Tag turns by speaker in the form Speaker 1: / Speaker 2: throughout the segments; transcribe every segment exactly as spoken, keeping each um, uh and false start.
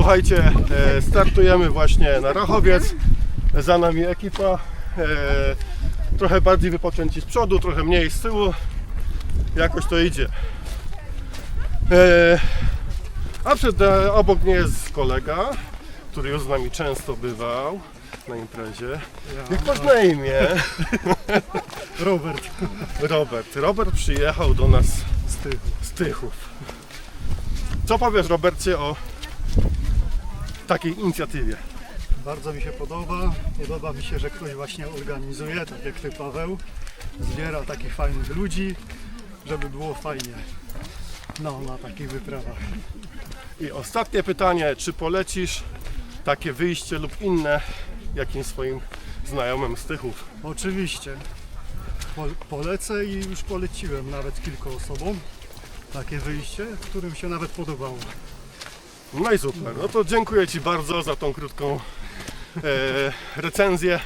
Speaker 1: słuchajcie, e, startujemy właśnie na Rachowiec. Za nami ekipa. E, trochę bardziej wypoczęci z przodu, trochę mniej z tyłu. Jakoś to idzie. E, a przed, e, obok mnie jest kolega, który już z nami często bywał na imprezie. Jak masz na imię?
Speaker 2: Robert.
Speaker 1: Robert. Robert przyjechał do nas
Speaker 2: Z Tychów.
Speaker 1: z Tychów. Co powiesz, Robercie, o takiej inicjatywie?
Speaker 2: Bardzo mi się podoba. Podoba mi się, że ktoś właśnie organizuje, tak jak Ty, Paweł. Zbiera takich fajnych ludzi, żeby było fajnie. No, na takich wyprawach.
Speaker 1: I ostatnie pytanie, czy polecisz takie wyjście lub inne jakimś swoim znajomym z Tychów?
Speaker 2: Oczywiście. Po, polecę i już poleciłem nawet kilku osobom takie wyjście, którym się nawet podobało.
Speaker 1: No i super, no to dziękuję Ci bardzo za tą krótką e, recenzję.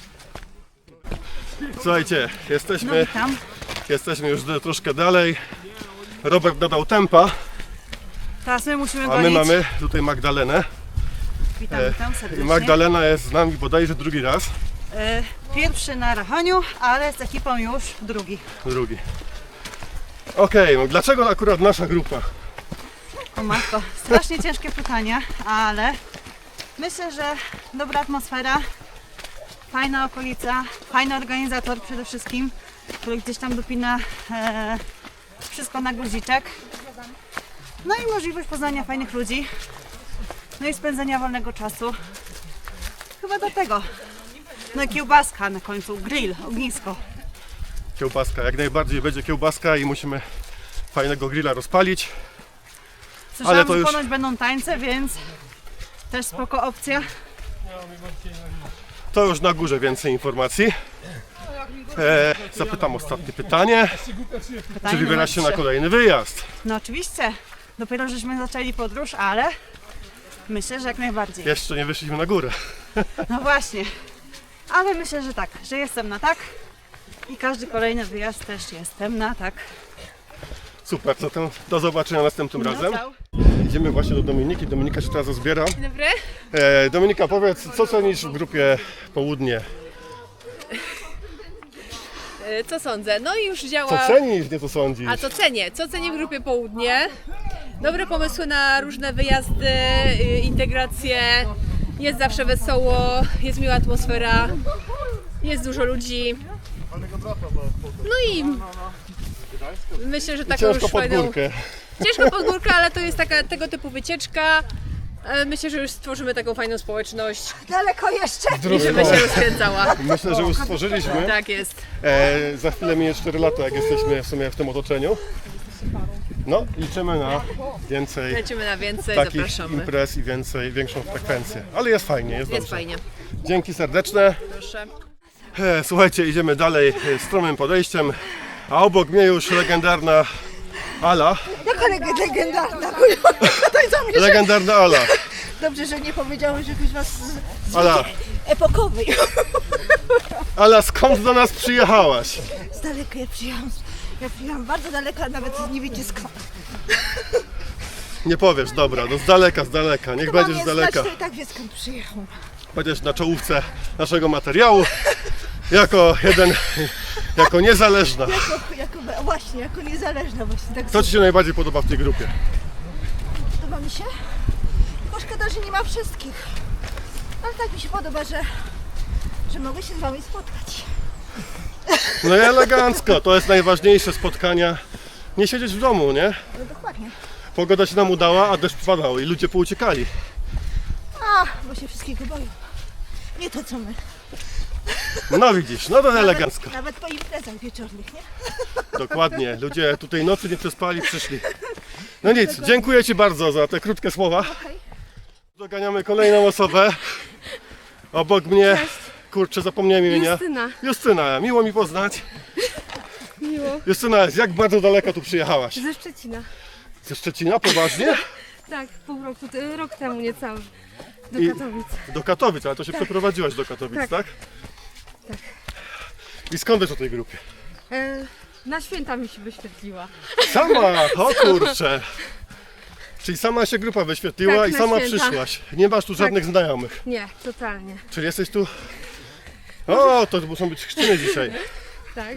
Speaker 1: Słuchajcie,
Speaker 3: No
Speaker 1: jesteśmy,
Speaker 3: witam.
Speaker 1: jesteśmy już de- troszkę dalej. Robert dodał tempa,
Speaker 3: Teraz my musimy
Speaker 1: a
Speaker 3: gonić.
Speaker 1: my mamy tutaj Magdalenę.
Speaker 3: Witam,
Speaker 1: e,
Speaker 3: witam
Speaker 1: I
Speaker 3: serdecznie.
Speaker 1: Magdalena jest z nami bodajże drugi raz,
Speaker 3: E, Pierwszy na Rachoniu, ale z ekipą już drugi.
Speaker 1: drugi. Okej, no dlaczego akurat nasza grupa?
Speaker 3: O matko, strasznie ciężkie pytanie, ale myślę, że dobra atmosfera, fajna okolica, fajny organizator przede wszystkim, który gdzieś tam dopina e, wszystko na guziczek. No i możliwość poznania fajnych ludzi, no i spędzenia wolnego czasu. Chyba do tego. No i kiełbaska na końcu, grill, ognisko.
Speaker 1: Kiełbaska, jak najbardziej będzie kiełbaska i musimy fajnego grilla rozpalić.
Speaker 3: Słyszałam,
Speaker 1: Ale to
Speaker 3: że
Speaker 1: już-
Speaker 3: ponoć będą tańce, więc też spoko opcja.
Speaker 1: To już na górze więcej informacji. E, zapytam ostatnie pytanie.
Speaker 3: Pytanie
Speaker 1: Czy wybierasz się
Speaker 3: numer
Speaker 1: na
Speaker 3: trzy.
Speaker 1: kolejny wyjazd?
Speaker 3: No oczywiście. Dopiero żeśmy zaczęli podróż, ale myślę, że jak najbardziej.
Speaker 1: Jeszcze nie wyszliśmy na górę.
Speaker 3: No właśnie. Ale myślę, że tak, że jestem na tak. I każdy kolejny wyjazd też jestem na tak.
Speaker 1: Super, zatem do zobaczenia następnym
Speaker 3: No,
Speaker 1: razem.
Speaker 3: ciao.
Speaker 1: Idziemy właśnie do Dominiki. Dominika się teraz zbiera.
Speaker 4: Dzień dobry.
Speaker 1: E, Dominika, powiedz, co cenisz w grupie Południe?
Speaker 4: E, Co sądzę? No i już
Speaker 1: Co
Speaker 4: działa.
Speaker 1: cenisz, nie co sądzisz?
Speaker 4: A co cenię? Co cenię w grupie Południe? Dobre pomysły na różne wyjazdy, y, integracje. Jest zawsze wesoło, jest miła atmosfera, jest dużo ludzi. No i myślę, że taką
Speaker 1: Ciężko
Speaker 4: już
Speaker 1: pod
Speaker 4: fajną.
Speaker 1: górkę.
Speaker 4: Ciężko pod górkę, ale to jest taka tego typu wycieczka. E, Myślę, że już stworzymy taką fajną społeczność
Speaker 3: Daleko jeszcze.
Speaker 4: i żeby się rozkręcała.
Speaker 1: Myślę, że już stworzyliśmy.
Speaker 4: Tak jest.
Speaker 1: E, za chwilę minie cztery lata, jak jesteśmy w sumie w tym otoczeniu. No, liczymy na więcej
Speaker 4: Lecimy na więcej,
Speaker 1: takich
Speaker 4: zapraszamy.
Speaker 1: imprez i więcej, większą frekwencję. Ale jest fajnie, jest,
Speaker 4: Jest
Speaker 1: dobrze.
Speaker 4: fajnie.
Speaker 1: Dzięki serdeczne.
Speaker 4: Proszę.
Speaker 1: E, Słuchajcie, idziemy dalej e, stromym podejściem, a obok mnie już legendarna Ala.
Speaker 5: Jaka leg- legendarna, kurwa, tutaj za mnie, że...
Speaker 1: Legendarna Ala.
Speaker 5: Dobrze, że nie powiedziałeś, że ktoś was z, z
Speaker 1: Ala,
Speaker 5: epokowej.
Speaker 1: Ala, skąd do nas przyjechałaś?
Speaker 5: Z daleka ja przyjechałam, ja przyjechałam bardzo daleka, nawet nie wiecie skąd.
Speaker 1: Nie powiesz, dobra, no z daleka, z daleka, niech
Speaker 5: To mam
Speaker 1: będziesz z
Speaker 5: nie
Speaker 1: daleka.
Speaker 5: znać, to i tak wie skąd przyjechałam.
Speaker 1: Będziesz na czołówce naszego materiału jako jeden, jako niezależna.
Speaker 5: Jako, jako, właśnie, jako niezależna właśnie, tak
Speaker 1: Co Ci się najbardziej podoba w tej grupie?
Speaker 5: podoba mi się. Tylko szkoda, że nie ma wszystkich. Ale tak mi się podoba, że, że mogę się z wami spotkać.
Speaker 1: No i elegancko, to jest najważniejsze spotkania. Nie siedzieć w domu, nie?
Speaker 5: No dokładnie.
Speaker 1: Pogoda się nam udała, a deszcz padał i ludzie pouciekali.
Speaker 5: A, bo się wszystkiego boją. Nie to co my.
Speaker 1: No widzisz, no to elegancko.
Speaker 5: Nawet po imprezach wieczornych, nie?
Speaker 1: Dokładnie, ludzie tutaj nocy nie przespali, przyszli. No nic, dziękuję Ci bardzo za te krótkie słowa. Doganiamy kolejną osobę. Obok mnie, kurczę, zapomniałem imienia.
Speaker 4: Justyna.
Speaker 1: Justyna, miło mi poznać.
Speaker 4: Miło.
Speaker 1: Justyna, jak bardzo daleko tu przyjechałaś?
Speaker 6: Ze Szczecina.
Speaker 1: Ze Szczecina, poważnie?
Speaker 6: Tak, pół roku, t- rok temu niecały. Do
Speaker 1: I-
Speaker 6: Katowic.
Speaker 1: Do Katowic, ale to się przeprowadziłaś do Katowic, tak?
Speaker 6: Tak.
Speaker 1: Tak. I skąd wiesz o tej grupie?
Speaker 6: E, na święta mi się wyświetliła.
Speaker 1: Sama, o kurczę. Czyli sama się grupa wyświetliła
Speaker 6: Tak,
Speaker 1: i
Speaker 6: na
Speaker 1: sama
Speaker 6: święta.
Speaker 1: przyszłaś. Nie masz tu żadnych znajomych.
Speaker 6: Nie, totalnie.
Speaker 1: Czyli jesteś tu... O, to muszą być chrzciny dzisiaj.
Speaker 6: Tak.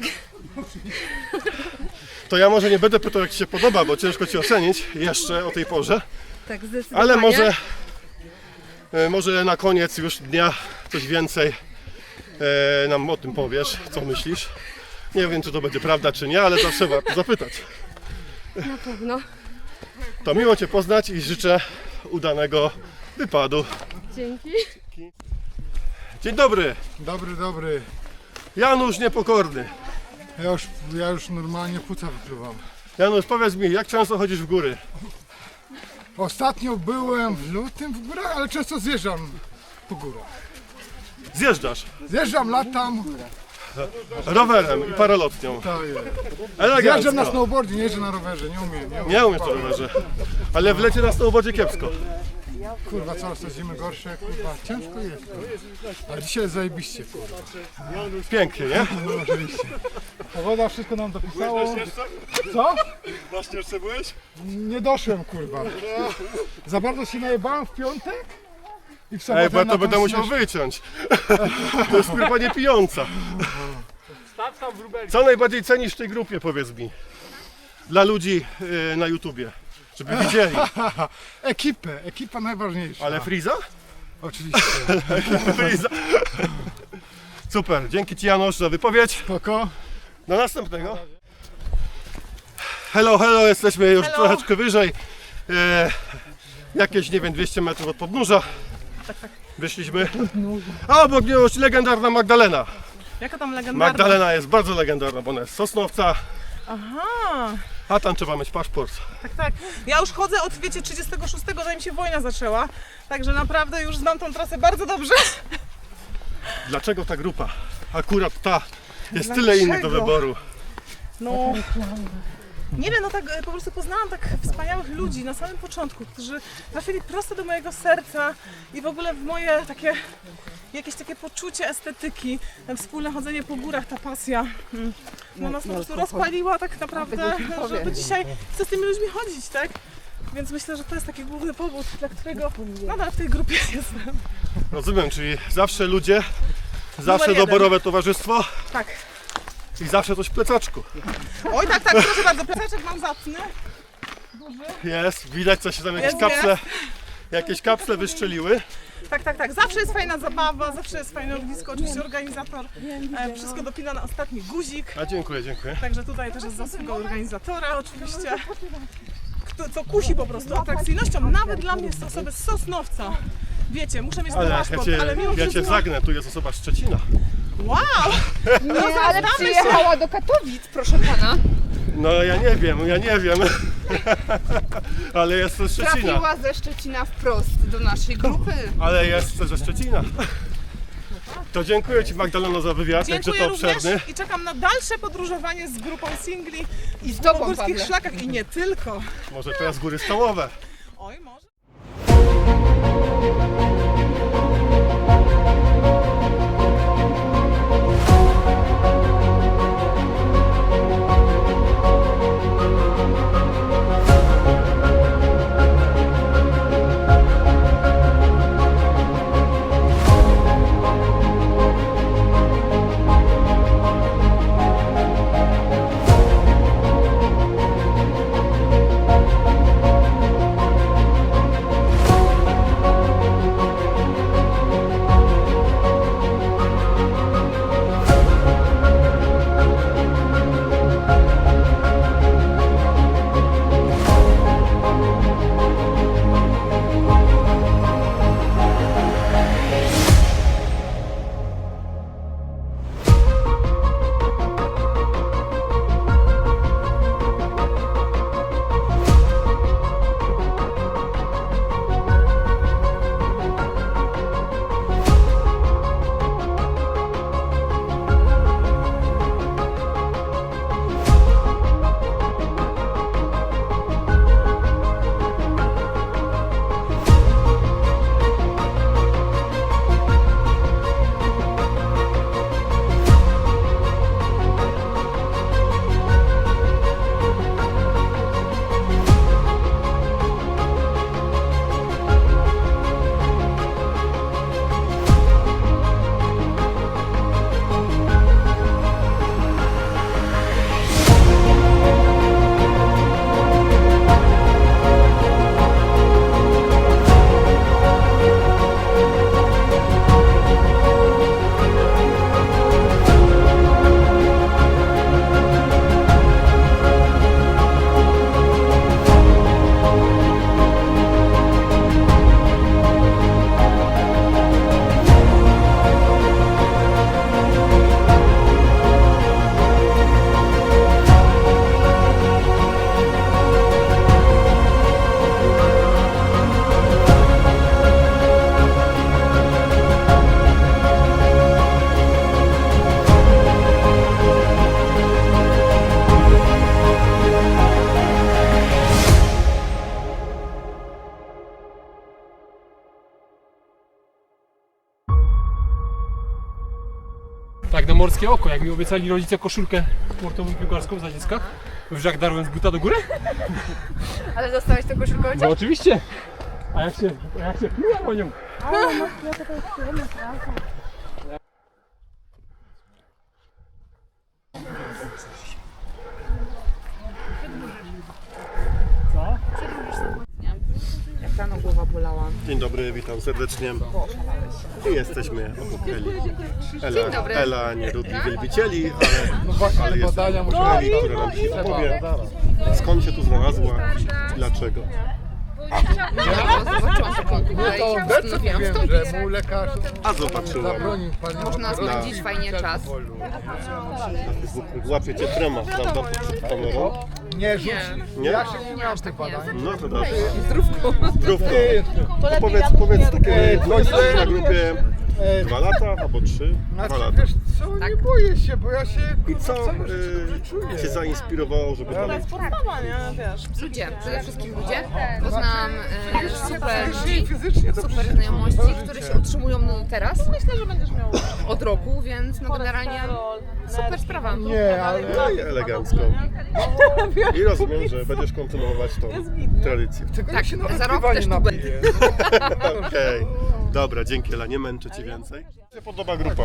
Speaker 1: To ja może nie będę pytał, jak Ci się podoba, bo ciężko Ci ocenić jeszcze o tej porze.
Speaker 6: Tak, zdecydowanie.
Speaker 1: Ale może, e, może na koniec już dnia coś więcej e, nam o tym powiesz, co myślisz. Nie wiem, czy to będzie prawda, czy nie, ale zawsze warto zapytać.
Speaker 6: Na pewno.
Speaker 1: To miło Cię poznać i życzę udanego wypadu.
Speaker 6: Dzięki.
Speaker 1: Dzień dobry,
Speaker 7: Dobry, dobry.
Speaker 1: Janusz Niepokorny.
Speaker 7: Ja już, ja już normalnie płuca wypluwam.
Speaker 1: Janusz, powiedz mi, jak często chodzisz w góry?
Speaker 7: Ostatnio byłem w lutym w górach, ale często zjeżdżam po górach.
Speaker 1: Zjeżdżasz
Speaker 7: Zjeżdżam, latam,
Speaker 1: rowerem i paralotnią.
Speaker 7: to jest. Zjeżdżam na
Speaker 1: Elegancko.
Speaker 7: snowboardzie, nie jeżdżę na rowerze, nie umiem, nie umiem.
Speaker 1: Nie umiesz na rowerze, ale w lecie na snowboardzie kiepsko.
Speaker 7: Kurwa, coraz to zimy gorsze, kurwa, ciężko jest. Kurwa. A dzisiaj jest zajebiście, kurwa.
Speaker 1: Pięknie, nie?
Speaker 7: No oczywiście. Pogoda wszystko nam dopisało. Co?
Speaker 1: Właśnie jeszcze byłeś?
Speaker 7: Nie doszłem, kurwa. Za bardzo się najebałem w piątek i w sobotę
Speaker 1: Ej, bo ja
Speaker 7: na
Speaker 1: to
Speaker 7: tą
Speaker 1: będę musiał
Speaker 7: śnieżkę.
Speaker 1: wyciąć. To jest grupa niepijąca. Co najbardziej cenisz w tej grupie, powiedz mi? Dla ludzi yy, na YouTubie, żeby widzieli.
Speaker 7: Ekipę, ekipa najważniejsza.
Speaker 1: Ale Friza?
Speaker 7: Oczywiście.
Speaker 1: Friza. Super, dzięki Ci Janusz za wypowiedź.
Speaker 7: Spoko.
Speaker 1: Do następnego. Hello, hello, jesteśmy już
Speaker 3: Hello.
Speaker 1: troszeczkę wyżej. E, jakieś, nie wiem, dwieście metrów od podnóża. Wyszliśmy. A obok mnie już legendarna Magdalena.
Speaker 3: Jaka tam legendarna?
Speaker 1: Magdalena jest bardzo legendarna, bo ona jest z Sosnowca.
Speaker 3: Aha,
Speaker 1: A tam trzeba mieć paszport.
Speaker 3: tak, tak. Ja już chodzę od, wiecie, trzydziestego szóstego, zanim się wojna zaczęła. Także naprawdę już znam tą trasę bardzo dobrze.
Speaker 1: Dlaczego ta grupa? Akurat ta. Jest tyle innych do
Speaker 3: Dlaczego?
Speaker 1: wyboru.
Speaker 3: No, nie wiem, no tak e, po prostu poznałam tak wspaniałych ludzi na samym początku, którzy trafili prosto do mojego serca i w ogóle w moje takie, jakieś takie poczucie estetyki, e, wspólne chodzenie po górach, ta pasja, mm, no nas po prostu rozpaliła tak naprawdę, że do dzisiaj chcę z tymi ludźmi chodzić, tak? Więc myślę, że to jest taki główny powód, dla którego nadal w tej grupie jestem.
Speaker 1: Rozumiem, czyli zawsze ludzie, zawsze
Speaker 3: jeden.
Speaker 1: doborowe towarzystwo
Speaker 3: Tak.
Speaker 1: i zawsze coś w plecaczku.
Speaker 3: Oj, tak, tak, proszę bardzo, plecaczek mam zacny.
Speaker 1: Jest, widać, co się tam jakieś
Speaker 3: Jest,
Speaker 1: kapsle, jakieś kapsle wyszczeliły.
Speaker 3: Tak, tak, tak. Zawsze jest fajna zabawa, zawsze jest fajne ognisko. Oczywiście organizator e, wszystko dopina na ostatni guzik.
Speaker 1: A dziękuję, dziękuję.
Speaker 3: Także tutaj też jest zasługa organizatora oczywiście. Kto, co kusi po prostu atrakcyjnością, nawet dla mnie, z osoby z Sosnowca. Wiecie, muszę mieć ten
Speaker 1: Ale ja
Speaker 3: paszport,
Speaker 1: cię,
Speaker 3: ale mimo
Speaker 1: ja cię
Speaker 3: wszystko...
Speaker 1: zagnę, tu jest osoba z Szczecina.
Speaker 3: Wow!
Speaker 8: Nie, ale
Speaker 3: znamy
Speaker 8: przyjechała do Katowic, proszę pana.
Speaker 1: No ja nie wiem, ja nie wiem. Ale jest ze Szczecina.
Speaker 8: Trafiła ze Szczecina wprost do naszej grupy.
Speaker 1: Ale jest ze Szczecina. To dziękuję Ci Magdaleno za wywiad, jakże
Speaker 3: Dziękuję
Speaker 1: to
Speaker 3: również
Speaker 1: obszerny.
Speaker 3: i czekam na dalsze podróżowanie z grupą singli
Speaker 8: I z tobą,
Speaker 3: po górskich
Speaker 8: Pawle.
Speaker 3: szlakach i nie tylko.
Speaker 1: Może teraz góry stołowe.
Speaker 3: Oj, może.
Speaker 9: morskie oko, jak mi obiecali rodzice koszulkę sportową piłkarską za dziecka. Już jak darłem z buta do góry?
Speaker 8: Ale dostałeś tę koszulkę?
Speaker 9: No oczywiście. A jak się, a jak się pluję po nią?
Speaker 8: Jak rano głowa bolała.
Speaker 1: Dzień dobry, witam serdecznie. I jesteśmy obok Eli. Ela,
Speaker 8: Dzień dobry.
Speaker 1: Ela nie lubi wielbicieli, ale, ale jest Eli, która nam dzisiaj opowie, skąd się tu znalazła i dlaczego.
Speaker 8: Zobaczyłam taką tutaj
Speaker 7: To
Speaker 8: i
Speaker 7: obecnie
Speaker 8: postanowiłam
Speaker 7: wiem,
Speaker 8: wstąpić.
Speaker 7: że mu lekarz
Speaker 1: A zobaczyłam
Speaker 7: zabronił palić
Speaker 8: Można spędzić fajnie czas.
Speaker 1: na Facebooku, łapiecie trema, prawda, przed kamerą?
Speaker 7: Nie rzuć.
Speaker 1: Nie?
Speaker 7: Ja się nie miałem tych badań.
Speaker 1: No to dobrze.
Speaker 8: Zdrówko.
Speaker 1: Zdrówko. To powiedz, powiedz takie, no jesteś na grupie dwa lata albo trzy? Dwa
Speaker 7: Znaczy,
Speaker 1: lata.
Speaker 7: wiesz co, nie boję się, bo ja się
Speaker 1: I
Speaker 7: kurwa,
Speaker 1: co
Speaker 7: w całym życiu
Speaker 1: y,
Speaker 7: czuję.
Speaker 1: Cię zainspirowało, żeby dalej?
Speaker 8: Ludzie, przede wszystkim ludzie. Poznałam e, super
Speaker 7: Fizycznie,
Speaker 8: ludzi,
Speaker 7: fizycznie to
Speaker 8: super
Speaker 7: przecież
Speaker 8: znajomości,
Speaker 7: całe
Speaker 8: które
Speaker 7: życie.
Speaker 8: się utrzymują no, teraz. Myślę, że będziesz miał od roku, więc no generalnie super sprawa.
Speaker 7: Nie, ale
Speaker 1: No i elegancko. I rozumiem, że będziesz kontynuować tą tradycję.
Speaker 7: tego
Speaker 8: Tak,
Speaker 7: się nawet
Speaker 8: za rok
Speaker 7: piwa
Speaker 8: też
Speaker 7: nie
Speaker 8: tu
Speaker 7: napiję.
Speaker 1: Okej. Dobra, dzięki Ela, nie męczę Cię więcej. Jak się podoba grupa?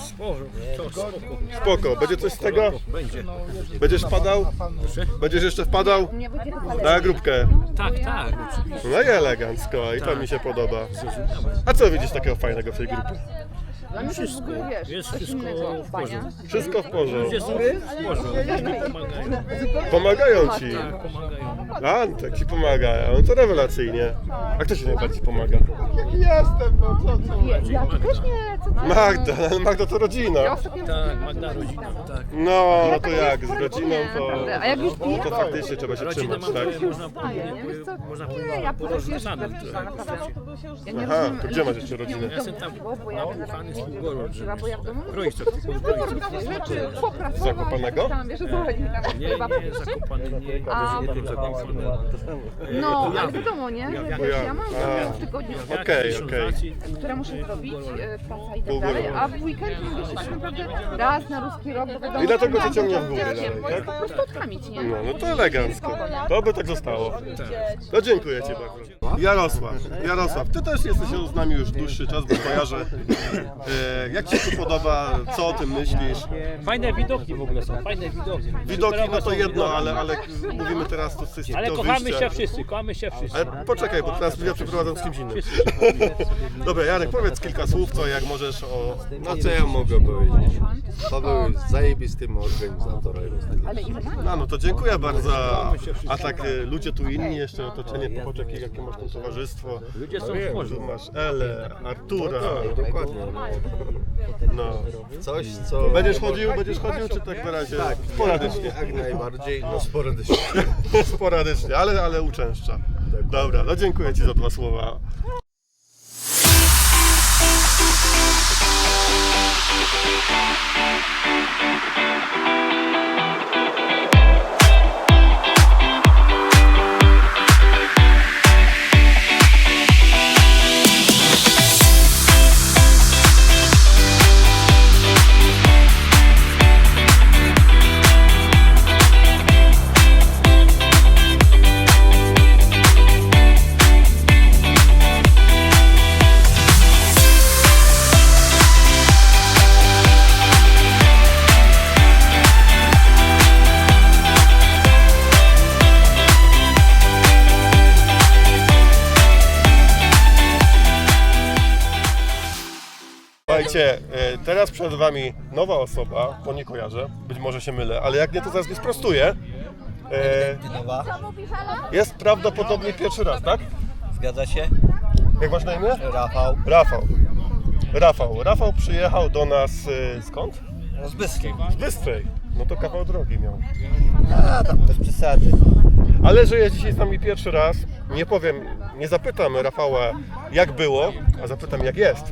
Speaker 1: Spoko, będzie coś z tego?
Speaker 9: Będzie.
Speaker 1: Będziesz wpadał? Będziesz jeszcze wpadał? Na grupkę.
Speaker 9: Tak, tak.
Speaker 1: No i elegancko, i to mi się podoba. A co widzisz takiego fajnego w tej grupie?
Speaker 8: Dla mnie to jest, wiesz,
Speaker 9: Jest
Speaker 8: coś
Speaker 9: wszystko
Speaker 8: innego.
Speaker 9: w porządku.
Speaker 1: Wszystko w porządku.
Speaker 9: Ludzie są w porządku. Pomagają.
Speaker 1: Pomagają Ci.
Speaker 9: Tak, pomagają.
Speaker 1: A, tak Ci pomagają, no to rewelacyjnie. A kto Ci najbardziej pomaga?
Speaker 7: Jestem, no co, co?
Speaker 8: Ja tu też nie, co ty?
Speaker 1: Magda, ale Magda to rodzina.
Speaker 9: Tak, Magda rodzina, tak.
Speaker 1: No, no to jak, z rodziną to...
Speaker 8: A jak już
Speaker 1: No to faktycznie trzeba się
Speaker 9: Rodzinę
Speaker 1: trzymać,
Speaker 9: mam,
Speaker 1: tak?
Speaker 9: można powiedzieć, można powiedzieć,
Speaker 8: ja
Speaker 9: porozrzucaną
Speaker 8: też
Speaker 9: trochę.
Speaker 8: Ja nie
Speaker 1: Aha,
Speaker 8: rozumiem.
Speaker 1: to gdzie masz jeszcze rodzinę?
Speaker 9: Ja jestem tam nauczany z Półgorod, że
Speaker 8: Bo ja w domu
Speaker 9: Kroiczok, tylko z Kroiczok.
Speaker 1: Z Zakopanego?
Speaker 8: tam, wiesz o co chodzi. Tam
Speaker 9: Nie, nie, Zakopany, nie, nie, Zakopany.
Speaker 8: No, ale wiadomo, nie? Że
Speaker 1: Bo
Speaker 8: wiesz,
Speaker 1: ja-
Speaker 8: ja mam
Speaker 1: a.
Speaker 8: w tygodniu,
Speaker 1: Okej, okej.
Speaker 8: które muszę zrobić, e, praca i tak
Speaker 1: Półgorąd.
Speaker 8: dalej, a w weekend mogę się tak naprawdę raz na ruski rok, bo wiadomo,
Speaker 1: I dlatego
Speaker 8: że
Speaker 1: cię ciągnie w
Speaker 8: mam
Speaker 1: górę
Speaker 8: się
Speaker 1: dalej, tak?
Speaker 8: po prostu odkamić, nie?
Speaker 1: No, no to elegancko. To by tak zostało. No dziękuję Ci bardzo. Jarosław, Jarosław, Ty też jesteś z nami już dłuższy czas, bo kojarzę. E, jak Ci się tu podoba, co o tym myślisz?
Speaker 10: Fajne widoki w ogóle są, fajne widoki.
Speaker 1: Widoki no to
Speaker 10: Są
Speaker 1: jedno,
Speaker 10: widoki.
Speaker 1: ale, ale mówimy teraz to z
Speaker 10: Ale
Speaker 1: to
Speaker 10: kochamy
Speaker 1: wyjścia.
Speaker 10: się wszyscy, kochamy się wszyscy.
Speaker 1: Ale poczekaj, bo teraz ja przeprowadzam z kimś innym. Dobra, Jarek, powiedz kilka słów, co jak możesz o...
Speaker 11: No co ja mogę powiedzieć? Paweł jest zajebistym organizatorem.
Speaker 1: No, no to dziękuję bardzo. A tak y, ludzie tu inni, jeszcze otoczenie, popatrz jakie, jakie masz tam towarzystwo.
Speaker 10: Ludzie są w
Speaker 1: Tu
Speaker 10: porządku.
Speaker 1: masz Elę, Artura.
Speaker 11: Dokładnie.
Speaker 1: No.
Speaker 11: Coś co...
Speaker 1: Będziesz chodził, będziesz chodził, czy tak na razie
Speaker 11: Tak,
Speaker 1: sporadycznie?
Speaker 11: jak najbardziej, no sporadycznie.
Speaker 1: Sporadycznie, ale, ale uczęszcza. Dobra, no dziękuję Ci za dwa słowa. Słuchajcie, e, teraz przed Wami nowa osoba, bo nie kojarzę, być może się mylę, ale jak nie, to zaraz mnie sprostuje. E, jest prawdopodobnie pierwszy raz, tak?
Speaker 11: Zgadza się?
Speaker 1: Jak masz na imię?
Speaker 11: Rafał.
Speaker 1: Rafał. Rafał. Rafał przyjechał do nas e, skąd?
Speaker 11: Z Bystrej.
Speaker 1: Z Bystrej. No to kawał drogi miał.
Speaker 11: A tam bez przesady.
Speaker 1: Ale że jest dzisiaj z nami pierwszy raz, nie powiem, nie zapytam Rafała jak było, a zapytam jak jest.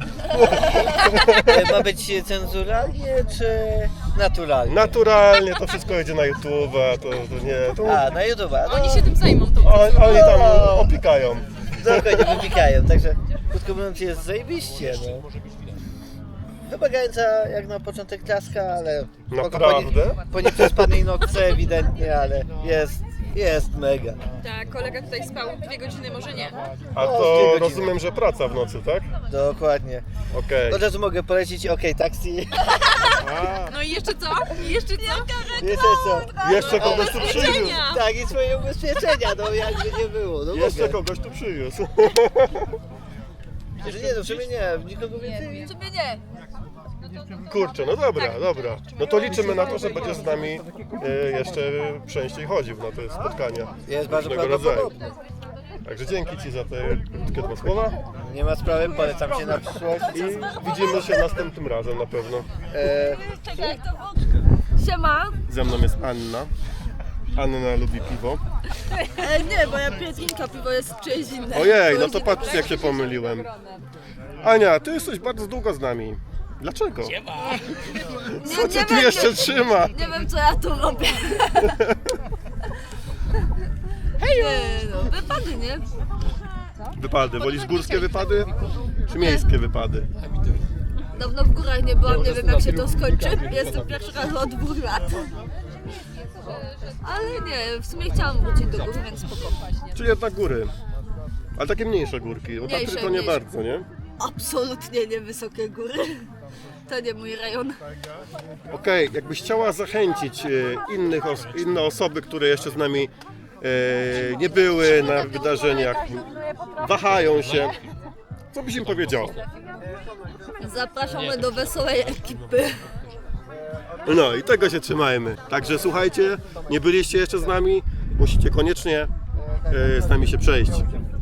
Speaker 11: Ma być cenzuralnie czy naturalnie?
Speaker 1: Naturalnie to wszystko jedzie na YouTube, to, to nie. To...
Speaker 11: A, na YouTube. No,
Speaker 4: Oni się tym zajmą. To
Speaker 1: Oni, oni tam opikają.
Speaker 11: Dokładnie wypikają, także krótko mówiąc jest zajebiście, no.
Speaker 12: Wymagająca jak na początek klaska, ale
Speaker 1: Naprawdę?
Speaker 12: po, nie, po nieprzespanej nocce ewidentnie, ale jest, jest mega.
Speaker 4: Tak, kolega tutaj spał dwie godziny, może nie.
Speaker 1: A
Speaker 12: No,
Speaker 1: to
Speaker 12: dwie godziny.
Speaker 1: rozumiem, że praca w nocy, tak?
Speaker 12: Dokładnie.
Speaker 1: Okej.
Speaker 12: Od razu mogę polecić OK Taxi.
Speaker 4: No i jeszcze co? I jeszcze co?
Speaker 12: Jeszcze co?
Speaker 1: Jeszcze kogoś tu przywiózł.
Speaker 12: Tak, i swoje ubezpieczenia, no jakby nie było. No
Speaker 1: Jeszcze
Speaker 12: mogę.
Speaker 1: kogoś tu przywiózł.
Speaker 12: Że nie, no w sumie nie, nikogo więcej.
Speaker 4: W sumie nie.
Speaker 1: Kurczę, no dobra, dobra. No to liczymy na to, że będziesz z nami e, jeszcze częściej chodził na te spotkania.
Speaker 12: Jest bardzo
Speaker 1: różnego rodzaju.
Speaker 12: prawdopodobne.
Speaker 1: Także dzięki Ci za te krótkie dwa słowa
Speaker 12: Nie ma sprawy, polecam się na przyszłość.
Speaker 1: i widzimy się następnym razem na pewno.
Speaker 12: E,
Speaker 6: Siema.
Speaker 1: Ze mną jest Anna. Anna lubi piwo.
Speaker 6: E, nie, bo ja piję drinka, piwo jest czyjeś inne.
Speaker 1: Ojej, no to patrzcie jak się pomyliłem. Ania, Ty jesteś bardzo długo z nami. Dlaczego? Co Cię tu jeszcze trzyma?
Speaker 6: Nie wiem, co ja tu robię. Nie, no, wypady, nie?
Speaker 1: Wypady. Wolisz górskie wypady czy miejskie wypady?
Speaker 6: Dawno w górach nie byłam, nie wiem jak się to skończy. Jestem pierwszy raz od dwóch lat. Ale nie, w sumie chciałam wrócić do gór, więc spoko.
Speaker 1: Czy jednak góry? Ale takie mniejsze górki, bo Tatry
Speaker 6: Mniejsze,
Speaker 1: to nie
Speaker 6: mniejsze.
Speaker 1: bardzo, nie?
Speaker 6: Absolutnie nie wysokie góry. To nie mój rejon.
Speaker 1: Okej, jakbyś chciała zachęcić e, innych os inne osoby, które jeszcze z nami e, nie były na wydarzeniach, wahają się, co byś im powiedziała?
Speaker 6: Zapraszamy do wesołej ekipy.
Speaker 1: No i tego się trzymajmy. Także słuchajcie, nie byliście jeszcze z nami, musicie koniecznie e, z nami się przejść.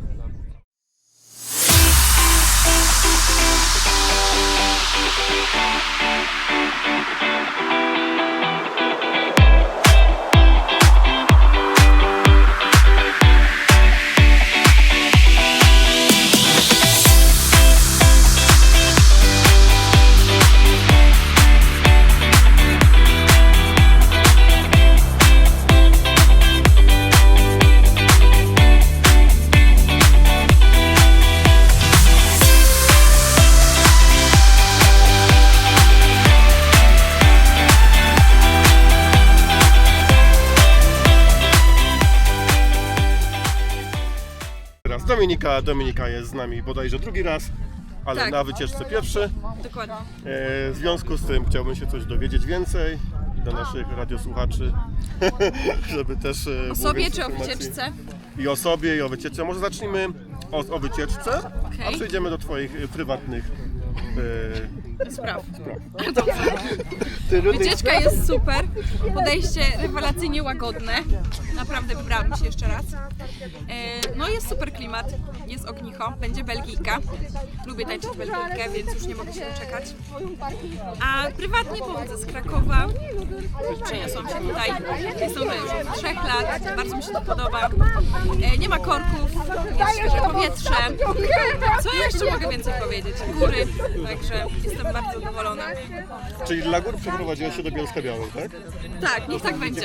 Speaker 1: Teraz Dominika, Dominika jest z nami bodajże drugi raz, ale
Speaker 4: Tak.
Speaker 1: na wycieczce pierwszy.
Speaker 4: Dokładnie.
Speaker 1: E, w związku z tym chciałbym się coś dowiedzieć więcej dla naszych radiosłuchaczy, żeby też e, było
Speaker 4: O sobie
Speaker 1: więcej
Speaker 4: czy o
Speaker 1: informacji.
Speaker 4: wycieczce?
Speaker 1: I o sobie, i o wycieczce. Może zacznijmy o, o wycieczce, a
Speaker 4: Okej.
Speaker 1: przejdziemy do Twoich e, prywatnych e,
Speaker 4: Spraw.
Speaker 1: Ty,
Speaker 4: Wycieczka jest super, podejście rewelacyjnie łagodne, naprawdę wybrałam się jeszcze raz. E, No jest super klimat, jest ognicho, będzie Belgijka, lubię tańczyć Belgijkę, więc już nie mogę się doczekać. A prywatnie pochodzę z Krakowa, przeniosłam się tutaj, jestem tutaj już od trzech lat, bardzo mi się to podoba. E, Nie ma korków, jest świeże powietrze. Co ja jeszcze mogę więcej powiedzieć? Góry, także jestem bardzo zadowolona.
Speaker 1: Czyli dla gór przeprowadziłeś się do Bielska Białej, tak?
Speaker 4: Tak, niech tak będzie.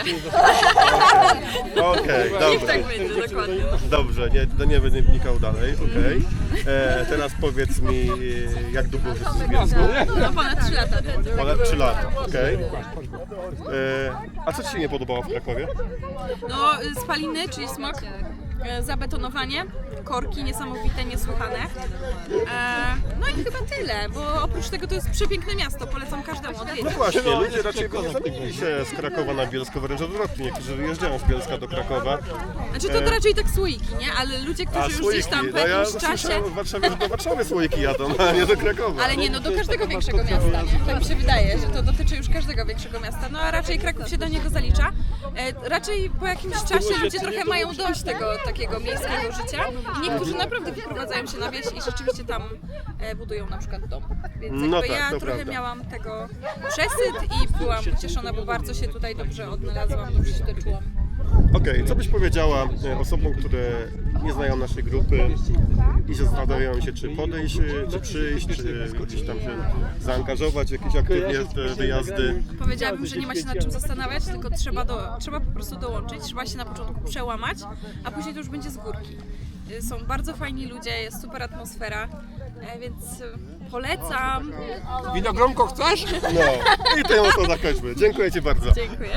Speaker 1: Okej,
Speaker 4: Niech
Speaker 1: dobrze.
Speaker 4: tak będzie, dokładnie.
Speaker 1: Dobrze, nie, to nie będę wnikał dalej, okej. E, Teraz powiedz mi, e, jak długo już jesteś w Bielsku?
Speaker 4: No ponad trzy lata.
Speaker 1: Ponad trzy lata, okej. E, A co Ci się nie podobało w Krakowie?
Speaker 4: No y, spaliny, czyli smog, y, zabetonowanie, korki niesamowite, niesłychane. E, No i chyba tyle, bo oprócz tego to jest przepiękne miasto, polecam każdemu
Speaker 1: No
Speaker 4: odwiedzić.
Speaker 1: właśnie, ludzie raczej by nie zamienili się z Krakowa na Bielsko, wręcz odwrotnie. Niektórzy wyjeżdżają z Bielska do Krakowa.
Speaker 4: Znaczy to, to raczej tak słoiki, nie? Ale ludzie, którzy już gdzieś tam po
Speaker 1: no ja
Speaker 4: jakimś czasie...
Speaker 1: słyszałem w Warszawie, że do Warszawy słoiki jadą, a nie do Krakowa.
Speaker 4: Ale nie, no do każdego większego miasta, nie? Tak mi się wydaje, że to dotyczy już każdego większego miasta. No a raczej Kraków się do niego zalicza. E, raczej po jakimś czasie ludzie trochę mają dość tego takiego miejskiego życia i niektórzy naprawdę wyprowadzają się na wieś i rzeczywiście tam e, budują na przykład dom. Więc
Speaker 1: No
Speaker 4: jakby
Speaker 1: tak,
Speaker 4: ja
Speaker 1: to
Speaker 4: trochę
Speaker 1: prawda.
Speaker 4: miałam tego przesyt i byłam ucieszona, bo bardzo się tutaj dobrze odnalazłam, dobrze się doczułam.
Speaker 1: Okej, co byś powiedziała e, osobom, które nie znają naszej grupy i zastanawiają się, czy podejść, e, czy przyjść, czy gdzieś tam się zaangażować w jakieś aktywnie e, wyjazdy?
Speaker 4: Powiedziałabym, że nie ma się nad czym zastanawiać, tylko trzeba, do, trzeba po prostu dołączyć, trzeba się na początku przełamać, a później to już będzie z górki.
Speaker 13: y, są bardzo fajni ludzie, jest super atmosfera, e, więc y, polecam.
Speaker 9: Winogronko chcesz?
Speaker 1: No i tym oto zakończmy. Dziękuję Ci bardzo.
Speaker 13: Dziękuję.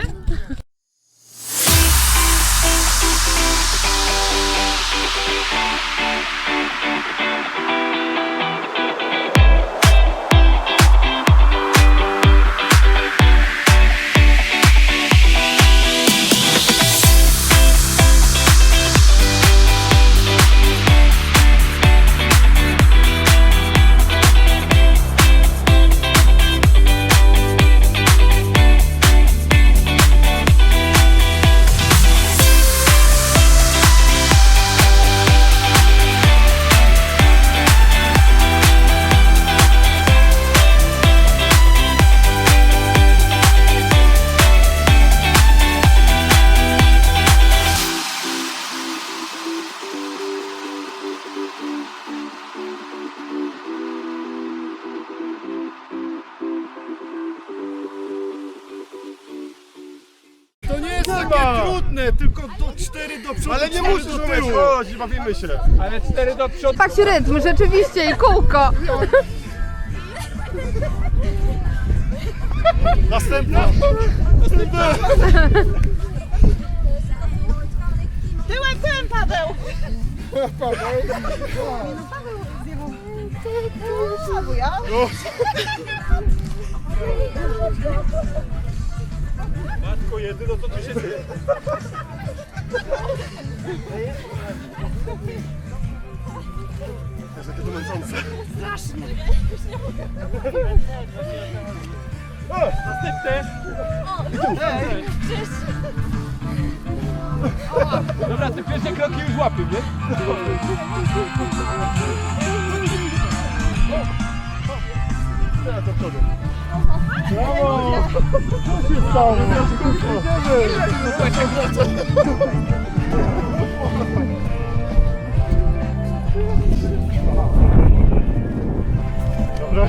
Speaker 2: To nie jest takie trudne, tylko do cztery do przodu,
Speaker 1: Ale nie
Speaker 2: cztery
Speaker 1: musisz
Speaker 2: do
Speaker 1: umieć,
Speaker 2: tyłu.
Speaker 1: chodź, bawimy się.
Speaker 9: Ale cztery do przodu.
Speaker 8: Tak się rytm, rzeczywiście i kółko.
Speaker 2: Następna. Następna.
Speaker 3: Tyłem, tyłem, Paweł! Paweł, ja?
Speaker 1: Matko jedyno, co tu się dzieje? Jest takie to męczące.
Speaker 3: Strasznie.
Speaker 1: O, następny!
Speaker 9: Dobra, te pierwsze kroki już łapię, nie?
Speaker 1: Teraz do przodu.
Speaker 2: Brawo! Co się stało?
Speaker 1: Dobra.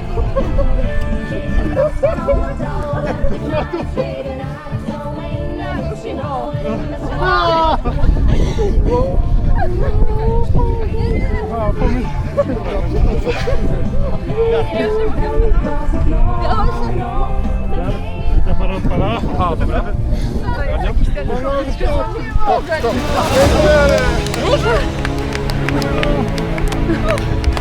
Speaker 9: A, dobra.
Speaker 1: Już?